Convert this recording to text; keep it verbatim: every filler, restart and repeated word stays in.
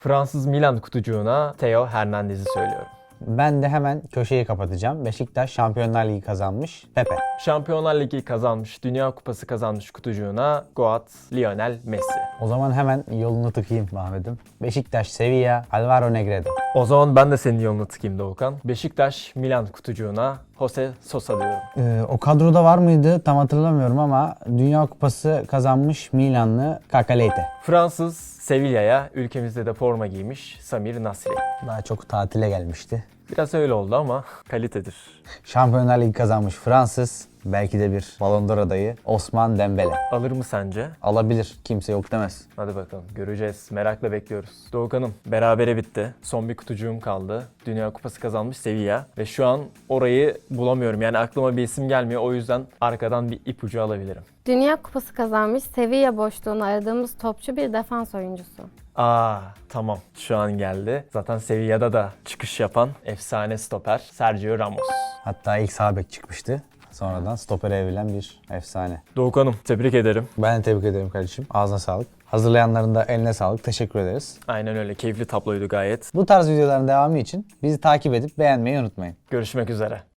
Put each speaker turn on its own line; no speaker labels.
Fransız Milan kutucuğuna Theo Hernandez'i söylüyorum.
Ben de hemen köşeyi kapatacağım. Beşiktaş Şampiyonlar Ligi kazanmış. Pepe.
Şampiyonlar Ligi kazanmış, Dünya Kupası kazanmış kutucuğuna Goat Lionel Messi.
O zaman hemen yolunu tıkayım Ahmet'im. Beşiktaş Sevilla Alvaro Negredo.
O zaman ben de senin yolunu tıkayım Doğukan. Beşiktaş Milan kutucuğuna Jose Sosa diyorum.
Ee, o kadroda var mıydı tam hatırlamıyorum ama Dünya Kupası kazanmış Milanlı Kakaleyte.
Fransız Sevilla'ya ülkemizde de forma giymiş Samir Nasri.
Daha çok tatile gelmişti.
Biraz öyle oldu ama kalitedir.
Şampiyonlar Ligi kazanmış Fransız. Belki de bir Ballon d'Or adayı Osman Dembele.
Alır mı sence?
Alabilir. Kimse yok demez.
Hadi bakalım göreceğiz. Merakla bekliyoruz. Doğukan'ım berabere bitti. Son bir kutucuğum kaldı. Dünya Kupası kazanmış Sevilla. Ve şu an orayı bulamıyorum. Yani aklıma bir isim gelmiyor. O yüzden arkadan bir ipucu alabilirim.
Dünya Kupası kazanmış Sevilla boşluğunu aradığımız topçu bir defans oyuncusu.
Aa tamam şu an geldi. Zaten Sevilla'da da çıkış yapan efsane stoper Sergio Ramos.
Hatta ilk sağ bek çıkmıştı. Sonradan stopere evrilen bir efsane.
Doğukan'ım tebrik ederim.
Ben de tebrik ederim kardeşim. Ağzına sağlık. Hazırlayanların da eline sağlık. Teşekkür ederiz.
Aynen öyle keyifli tabloydu gayet.
Bu tarz videoların devamı için bizi takip edip beğenmeyi unutmayın.
Görüşmek üzere.